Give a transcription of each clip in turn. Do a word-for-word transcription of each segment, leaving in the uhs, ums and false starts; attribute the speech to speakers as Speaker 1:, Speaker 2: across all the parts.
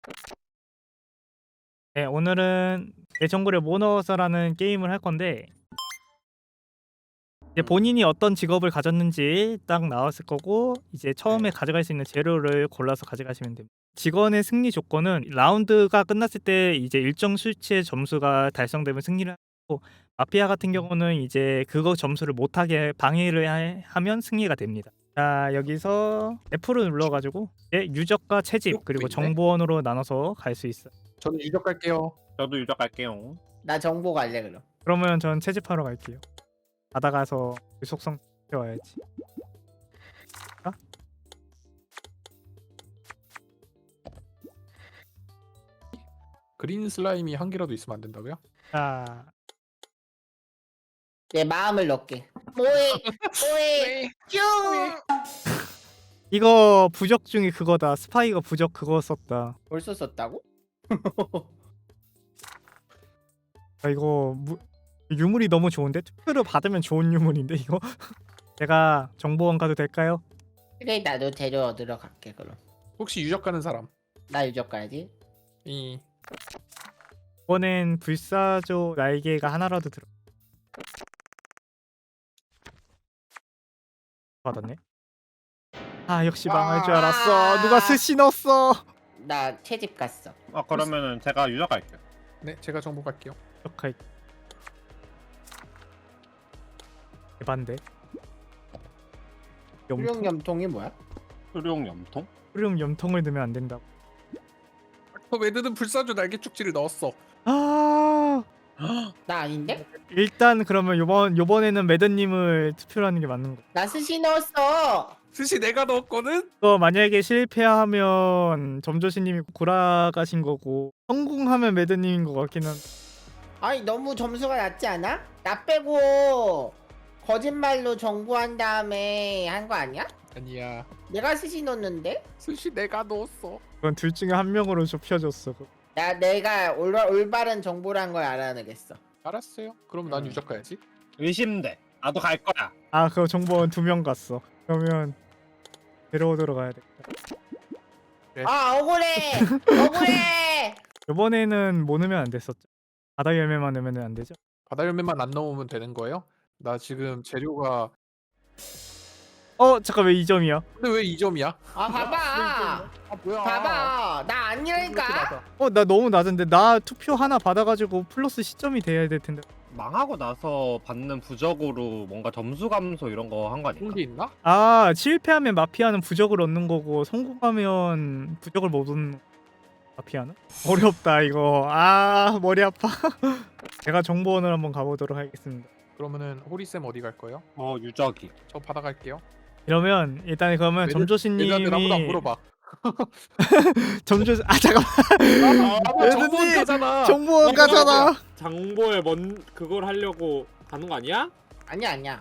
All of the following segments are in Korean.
Speaker 1: 네, 오늘은 내 정보를 뭐 넣어서라는 게임을 할 건데 이제 본인이 어떤 직업을 가졌는지 딱 나왔을 거고 이제 처음에
Speaker 2: 네.
Speaker 1: 가져갈 수 있는 재료를 골라서 가져가시면 됩니다. 직원의 승리 조건은 라운드가 끝났을 때 이제 일정 수치의 점수가 달성되면 승리를 하고 마피아 같은 경우는 이제 그거 점수를 못하게 방해를 하- 하면 승리가 됩니다. 자 여기서 F를 눌러가지고 이제 유적과 채집
Speaker 2: 유적도
Speaker 1: 그리고
Speaker 2: 있네?
Speaker 1: 정보원으로 나눠서 갈 수 있어요.
Speaker 2: 저는 유적 갈게요.
Speaker 3: 저도 유적 갈게요.
Speaker 4: 나 정보 갈래 그럼.
Speaker 1: 그러면 전 채집하러 갈게요. 바다 가서 그 속성 채워야지. 아?
Speaker 2: 그린 슬라임이 한 개라도 있으면 안 된다고요?
Speaker 1: 자,
Speaker 4: 내 마음을 넣게. 뭐해? 뭐해? 쭉.
Speaker 1: 이거 부적 중에 그거다. 스파이가 부적 그거 썼다.
Speaker 4: 벌써 썼다고?
Speaker 1: 아, 이거 무, 유물이 너무 좋은데 투표를 받으면 좋은 유물인데 이거. 제가 정보원 가도 될까요?
Speaker 4: 그래 나도 재료 얻으러 갈게 그럼.
Speaker 2: 혹시 유적 가는 사람?
Speaker 4: 나 유적 가야지.
Speaker 2: 이
Speaker 1: 이번엔 불사조 날개가 하나라도 들어. 받았네. 아 역시 망할 줄 알았어. 누가 스시 넣었어.
Speaker 4: 나 채집 갔어.
Speaker 3: 아 그러면은 제가 유적 갈게요.
Speaker 2: 네, 제가 정보 갈게요.
Speaker 1: 역할. 대반대.
Speaker 4: 수령
Speaker 1: 염통.
Speaker 4: 염통이 뭐야?
Speaker 3: 수룡 염통?
Speaker 1: 수령 염통을 넣으면 안 된다고.
Speaker 2: 어, 매드는 불사조 날개 축지를 넣었어.
Speaker 1: 아.
Speaker 4: 나 아닌데?
Speaker 1: 일단 그러면 요번 요번에는 매드님을 투표를 하는 게 맞는 거.
Speaker 4: 나 스시 넣었어.
Speaker 2: 스시 내가 넣었거든?
Speaker 1: 또 만약에 실패하면 점조신님이 골아가신 거고 성공하면 매드님인 것 같긴 한.
Speaker 4: 아니 너무 점수가 낮지 않아? 나 빼고 거짓말로 정보한 다음에 한 거 아니야?
Speaker 2: 아니야.
Speaker 4: 내가 스시 넣었는데?
Speaker 2: 스시 내가 넣었어.
Speaker 1: 그건 둘 중에 한 명으로 좁혀졌어.
Speaker 4: 나 내가 올, 올바른 정보란 걸 알아내겠어.
Speaker 2: 알았어요. 그럼 난
Speaker 4: 음.
Speaker 2: 유적 가야지.
Speaker 3: 의심돼. 나도 갈 거야.
Speaker 1: 아 그거 정보원 두 명 갔어. 그러면 데려오도록 가야 돼.
Speaker 4: 아 억울해. 억울해.
Speaker 1: 요번에는 뭐 넣으면 안 됐었죠? 바다 열매만 넣으면 안 되죠?
Speaker 2: 바다 열매만 안 넣으면 되는 거예요? 나 지금 재료가
Speaker 1: 어 잠깐 왜 이 점이야?
Speaker 2: 근데 왜 이 점이야?
Speaker 4: 아 봐봐.
Speaker 2: 아 뭐야?
Speaker 4: 봐봐. 나 아니라니까.
Speaker 1: 어 나 너무 낮은데 나 투표 하나 받아가지고 플러스 시점이 돼야 될 텐데.
Speaker 3: 망하고 나서 받는 부적으로 뭔가 점수 감소 이런 거 한 거 아닐까?
Speaker 2: 그런 게 있나?
Speaker 1: 아 실패하면 마피아는 부적을 얻는 거고 성공하면 부적을 못 얻는 마피아는? 어렵다 이거. 아 머리 아파. 제가 정보원을 한번 가보도록 하겠습니다.
Speaker 2: 그러면은 호리쌤 어디 갈 거예요?
Speaker 3: 어 유적이.
Speaker 2: 저 바다 갈게요.
Speaker 1: 이러면 일단 그러면
Speaker 2: 매드- 매드한테 아무도 안
Speaker 1: 점조신님이
Speaker 2: 물어봐.
Speaker 1: 점조 아 잠깐만
Speaker 2: 아,
Speaker 1: 매드님!
Speaker 2: 정보원 가잖아.
Speaker 1: 정보원 가잖아.
Speaker 5: 장보에 뭔 그걸 하려고 가는 거 아니야?
Speaker 4: 아니야 아니야.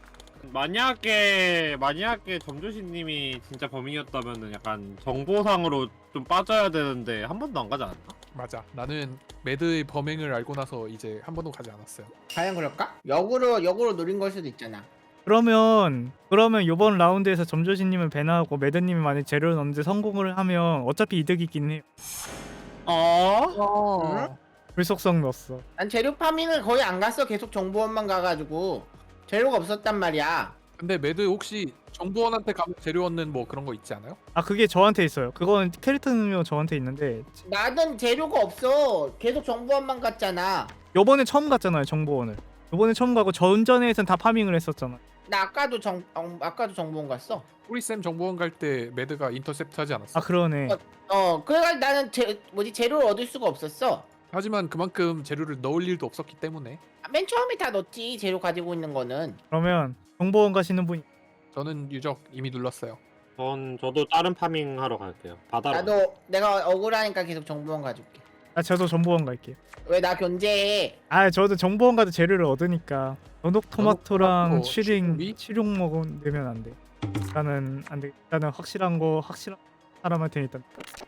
Speaker 3: 만약에 만약에 점조신님이 진짜 범인이었다면은 약간 정보상으로 좀 빠져야 되는데 한 번도 안 가지 않았나?
Speaker 2: 맞아. 나는 매드의 범행을 알고 나서 이제 한 번도 가지 않았어요.
Speaker 4: 과연 그럴까? 역으로 역으로 노린 걸 수도 있잖아.
Speaker 1: 그러면 그러면 이번 라운드에서 점조신님을 배나하고 매드님이 만약 재료를 넣는데 성공을 하면 어차피 이득이긴 해요.
Speaker 3: 어?
Speaker 2: 어.
Speaker 1: 불속성 넣었어.
Speaker 4: 난 재료 파밍을 거의 안 갔어. 계속 정보원만 가가지고 재료가 없었단 말이야.
Speaker 2: 근데 매드 혹시 정보원한테 가면 재료 얻는 뭐 그런 거 있지 않아요?
Speaker 1: 아 그게 저한테 있어요. 그건 캐릭터 능력 저한테 있는데
Speaker 4: 나는 재료가 없어. 계속 정보원만 갔잖아.
Speaker 1: 요번에 처음 갔잖아요 정보원을. 요번에 처음 가고 전전에선 다 파밍을 했었잖아.
Speaker 4: 나 아까도 정 어, 아까도 정보원 갔어.
Speaker 2: 호리쌤 정보원 갈 때 매드가 인터셉트 하지 않았어?
Speaker 1: 아 그러네.
Speaker 4: 어 그래가지고 나는 제 뭐지 재료를 얻을 수가 없었어.
Speaker 2: 하지만 그만큼 재료를 넣을 일도 없었기 때문에
Speaker 4: 아, 맨 처음에 다 넣었지. 재료 가지고 있는 거는.
Speaker 1: 그러면 정보원 가시는 분이
Speaker 2: 저는 유적 이미 눌렀어요.
Speaker 5: 전 저도 다른 파밍 하러 갈게요. 바다로.
Speaker 4: 나도 내가 억울하니까 계속 정보원 가줄게.
Speaker 1: 아 저도 정보원 갈게요.
Speaker 4: 왜 나 견제해?
Speaker 1: 아 저도 정보원 가도 재료를 얻으니까 전복 토마토랑
Speaker 2: 토마토,
Speaker 1: 치링
Speaker 2: 치룡이?
Speaker 1: 치룡 먹으면 안 돼. 일단은 안 돼. 일단은 확실한 거 확실한 사람한테 일단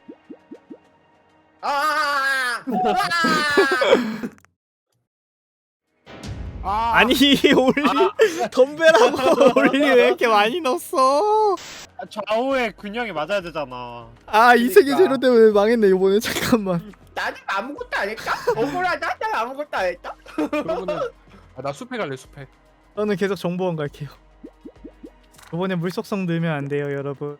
Speaker 4: 아! 아!
Speaker 2: 아,
Speaker 1: 아니 올리 덤벨하고 올리 왜 이렇게 많이 넣었어?
Speaker 3: 아, 좌우에 균형이 맞아야 되잖아.
Speaker 1: 아 이세계
Speaker 4: 그러니까.
Speaker 1: 제로 때문에 망했네 이번에. 잠깐만.
Speaker 4: 나는 아무것도 안 했다? 억울하다? 난 아무것도 안 했다?
Speaker 2: 그러면은 아, 나 숲에 갈래 숲에.
Speaker 1: 저는 계속 정보원 갈게요. 이번에 물속성 넣으면 안 돼요 여러분.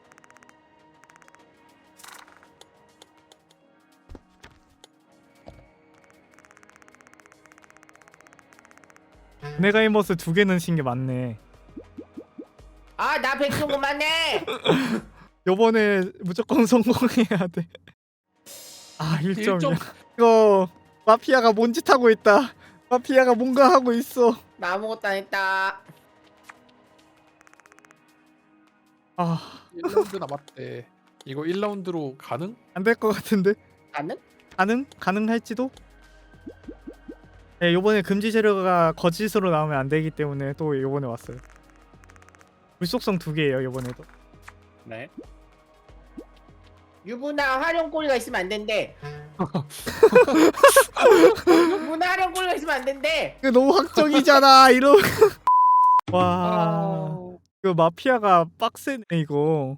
Speaker 1: 네가이머스 두 개 넣으신 게 맞네.
Speaker 4: 아, 나 백성 그만해!
Speaker 1: 요번에 무조건 성공해야 돼. 아 일 점이야.
Speaker 2: 일 점.
Speaker 1: 이거 마피아가 뭔 짓 하고 있다. 마피아가 뭔가 하고 있어.
Speaker 4: 나 아무것도 안 했다.
Speaker 1: 아,
Speaker 2: 일 라운드 남았대. 이거 일 라운드로 가능?
Speaker 1: 안 될 것 같은데.
Speaker 4: 나는?
Speaker 1: 가능? 가능할지도? 네, 요번에 금지 재료가 거짓으로 나오면 안 되기 때문에 또 요번에 왔어요. 물속성 두 개예요, 요번에도.
Speaker 3: 네.
Speaker 4: 유부나 활용꼬리가 있으면 안 된대. 유부나 활용꼬리가 있으면 안 된대.
Speaker 1: 이거 너무 확정이잖아. 이러. 와.
Speaker 2: 아...
Speaker 1: 이거 마피아가 빡세네 이거.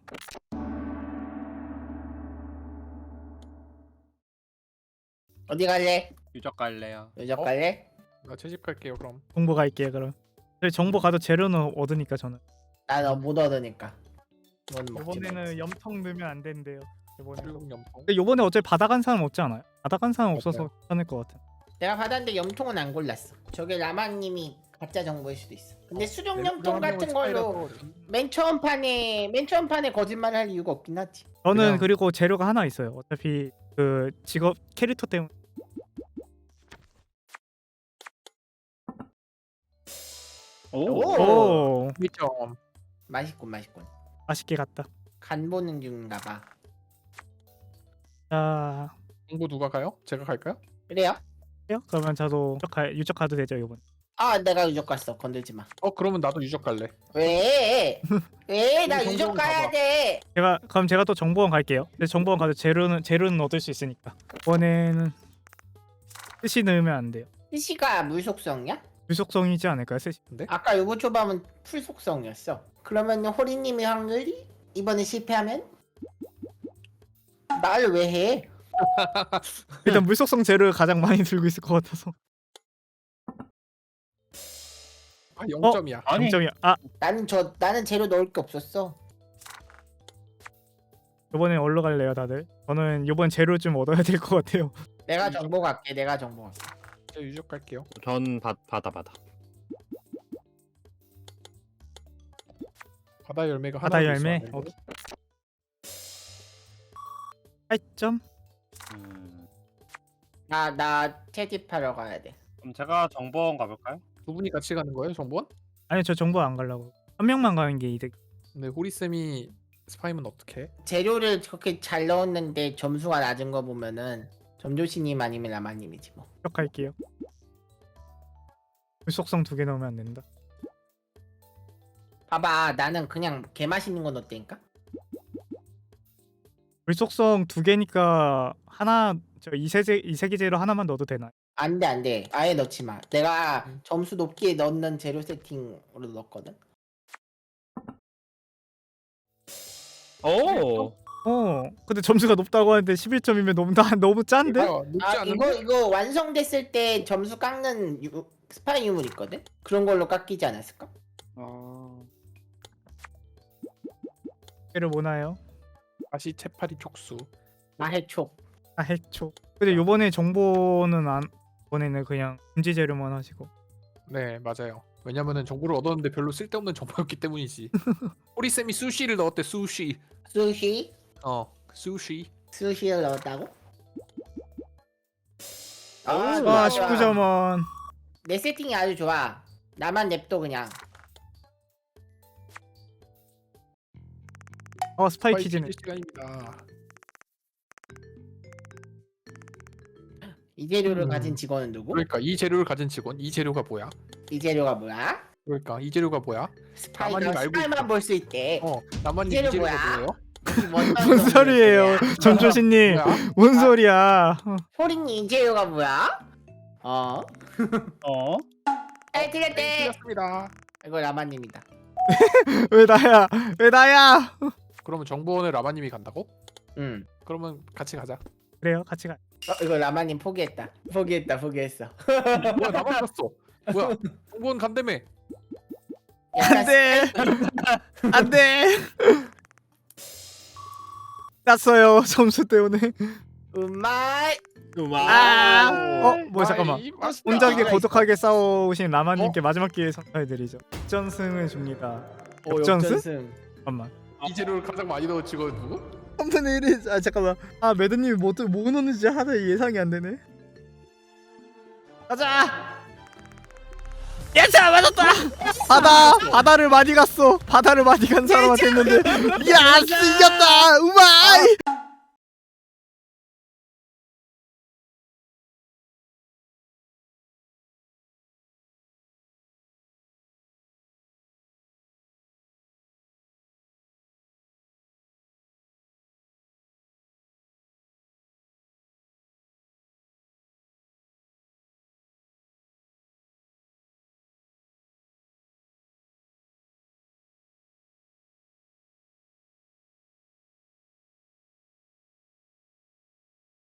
Speaker 4: 어디 갈래?
Speaker 3: 유적 갈래요.
Speaker 4: 여적
Speaker 2: 어?
Speaker 4: 갈래?
Speaker 2: 나 채집 갈게요 그럼.
Speaker 1: 정보 갈게요 그럼. 저희 정보 가도 재료는 얻으니까 저는.
Speaker 4: 나너 못 얻으니까. 이건 먹지
Speaker 1: 이번에는
Speaker 4: 말자.
Speaker 1: 염통 넣으면 안 된대요. 이번에.
Speaker 2: 활용 염통.
Speaker 1: 근데 요번에 어차피 받아간 사람 없지 않아요? 받아간 사람 없어서
Speaker 2: 맞아요.
Speaker 1: 괜찮을 것 같아.
Speaker 4: 내가 받았는데 염통은 안 골랐어. 저게 라마님이 가짜 정보일 수도 있어. 근데 수령
Speaker 2: 네,
Speaker 4: 염통
Speaker 2: 그럼
Speaker 4: 같은
Speaker 2: 한명은
Speaker 4: 걸로
Speaker 2: 스파이라서
Speaker 4: 맨 처음 판에 맨 처음 판에 거짓말 할 이유가 없긴 하지.
Speaker 1: 저는
Speaker 2: 그냥-
Speaker 1: 그리고 재료가 하나 있어요. 어차피 그 직업 캐릭터 때문에.
Speaker 3: 오.
Speaker 4: 오.
Speaker 1: 오,
Speaker 2: 일 점.
Speaker 4: 맛있군 맛있군.
Speaker 1: 맛있게 갔다.
Speaker 4: 간 보는 중인가 봐.
Speaker 1: 자,
Speaker 2: 정보 누가 가요? 제가 갈까요?
Speaker 4: 그래요?
Speaker 1: 해요? 그러면 저도 유적, 가, 유적 가도 되죠 이번.
Speaker 4: 아 내가 유적 갔어. 건들지 마.
Speaker 2: 어 그러면 나도 유적 갈래.
Speaker 4: 왜? 왜? 나
Speaker 2: 우리
Speaker 4: 유적
Speaker 2: 정보원
Speaker 4: 가야
Speaker 2: 가봐.
Speaker 4: 돼.
Speaker 1: 제가 그럼 제가 또 정보원 갈게요. 근데 정보원 가도 재료는 재료는 얻을 수 있으니까. 이번에는 스시 넣으면 안 돼요.
Speaker 4: 스시가 물 속성이야?
Speaker 1: 물속성이지 않을까요, 스시?
Speaker 4: 아까 요거 초밥은 풀 속성이었어. 그러면 호리님의 확률이 이번에 실패하면 말 왜 해?
Speaker 1: 일단 물속성 재료를 가장 많이 들고 있을 것 같아서.
Speaker 2: 아 영 점이야.
Speaker 3: 아니.
Speaker 1: 영 점이야. 아,
Speaker 4: 나는 저 나는 재료 넣을 게 없었어.
Speaker 1: 이번엔 얼로 갈래요, 다들? 저는 이번 재료 좀 얻어야 될 것 같아요.
Speaker 4: 내가 정보 갈게. 내가 정보 갈게.
Speaker 2: 제가 유적 갈게요.
Speaker 3: 전 받, 받아 받아.
Speaker 2: 바다 열매가 하나.
Speaker 1: 바다 열매. 오케이. 팔 점.
Speaker 3: 음.
Speaker 4: 나나 채집하러 가야 돼.
Speaker 3: 그럼 제가 정보원 가볼까요?
Speaker 2: 두 분이 같이 가는 거예요, 정보원?
Speaker 1: 아니 저 정보 안 가려고. 한 명만 가는 게 이득.
Speaker 2: 근데 호리 쌤이 스파이면 어떡해?
Speaker 4: 재료를 그렇게 잘 넣었는데 점수가 낮은 거 보면은 점조씨님 아니면 라마님이지 뭐.
Speaker 1: 기억할게요. 물속성 두 개 넣으면 안 된다.
Speaker 4: 봐봐, 나는 그냥 개 맛있는 거 넣었다니까.
Speaker 1: 물속성 두 개니까 하나 저 이세제 이세계 재료 하나만 넣어도 되나요?
Speaker 4: 안돼 안돼, 아예 넣지 마. 내가
Speaker 2: 음.
Speaker 4: 점수 높게 넣는 재료 세팅으로 넣었거든.
Speaker 3: 오.
Speaker 1: 어. 근데 점수가 높다고 하는데 십일 점이면 너무 나 너무 짠데?
Speaker 2: 아, 높지
Speaker 4: 아
Speaker 2: 않은데?
Speaker 4: 이거 이거 완성됐을 때 점수 깎는 유, 스파이 유물 있거든. 그런 걸로 깎이지 않았을까?
Speaker 3: 어.
Speaker 1: 재료 뭐나요?
Speaker 2: 다시 채파리 촉수.
Speaker 4: 아 해촉.
Speaker 1: 아 해초. 근데 요번에 정보는 안 이번에는 그냥 금지 재료만 하시고.
Speaker 2: 네 맞아요. 왜냐면은 정보를 얻었는데 별로 쓸데없는 정보였기 때문이지. 호리 쌤이 수시를 넣었대. 수시.
Speaker 4: 스시
Speaker 2: 어 수시.
Speaker 4: 스시를 넣었다고? 아,
Speaker 3: 오.
Speaker 4: 좋아,
Speaker 1: 와
Speaker 4: 좋아.
Speaker 1: 십구 점원.
Speaker 4: 내 세팅이 아주 좋아. 나만 냅둬 그냥.
Speaker 1: 어 스파이
Speaker 2: 스파이
Speaker 1: 퀴즈네.
Speaker 2: 퀴즈 시간입니다.
Speaker 4: 이 재료를
Speaker 2: 음.
Speaker 4: 가진 직원은 누구?
Speaker 2: 그러니까 이 재료를 가진 직원. 이 재료가 뭐야?
Speaker 4: 이 재료가 뭐야?
Speaker 2: 그러니까 이 재료가 뭐야?
Speaker 4: 스파이가
Speaker 2: 나만이 알고
Speaker 4: 스파이만
Speaker 2: 있어.
Speaker 4: 볼 수 있대.
Speaker 2: 어 나만이 이
Speaker 4: 재료
Speaker 2: 재료가
Speaker 4: 뭐야?
Speaker 2: 뭐예요?
Speaker 1: 뭔 소리예요, 점조신님?
Speaker 2: 뭐야?
Speaker 1: 뭔 소리야?
Speaker 4: 호링이 이 재료가 뭐야? 어?
Speaker 3: 어?
Speaker 4: 에 틀렸대.
Speaker 2: 틀렸습니다.
Speaker 4: 이거 라마님이다.
Speaker 1: 왜 나야? 왜 나야?
Speaker 2: 그러면 정보원에 라마님이 간다고?
Speaker 4: 응.
Speaker 2: 그러면 같이 가자.
Speaker 1: 그래요, 같이 가.
Speaker 4: 어, 이거 라마님 포기했다. 포기했다 포기했어.
Speaker 2: 뭐야 나만 갔어. 뭐야 정보원 간다며.
Speaker 4: 약간
Speaker 1: 안돼, 안돼. 땄어요 점수 때문에.
Speaker 4: 음마이.
Speaker 1: 아,
Speaker 5: 와.
Speaker 1: 어, 뭐야 잠깐만.
Speaker 2: 아이, 맛있다.
Speaker 1: 혼자게
Speaker 4: 기회가
Speaker 1: 고독하게 싸우신 라마님께 마지막 기회 선사해드리죠. 역전승을 줍니다.
Speaker 4: 오,
Speaker 1: 역전승?
Speaker 4: 역전승.
Speaker 1: 잠깐만.
Speaker 2: 이 재료를 가장 많이 넣은 직원 누구?
Speaker 1: 삼분의 일이 아 잠깐만. 아 매드님이 뭐, 또- 뭐 넣는지 하나 예상이 안 되네. 가자. 예차 맞았다. 바다 바다를 많이 갔어. 바다를 많이 간 사람한테 했는데. 야 이겼다. 우마이.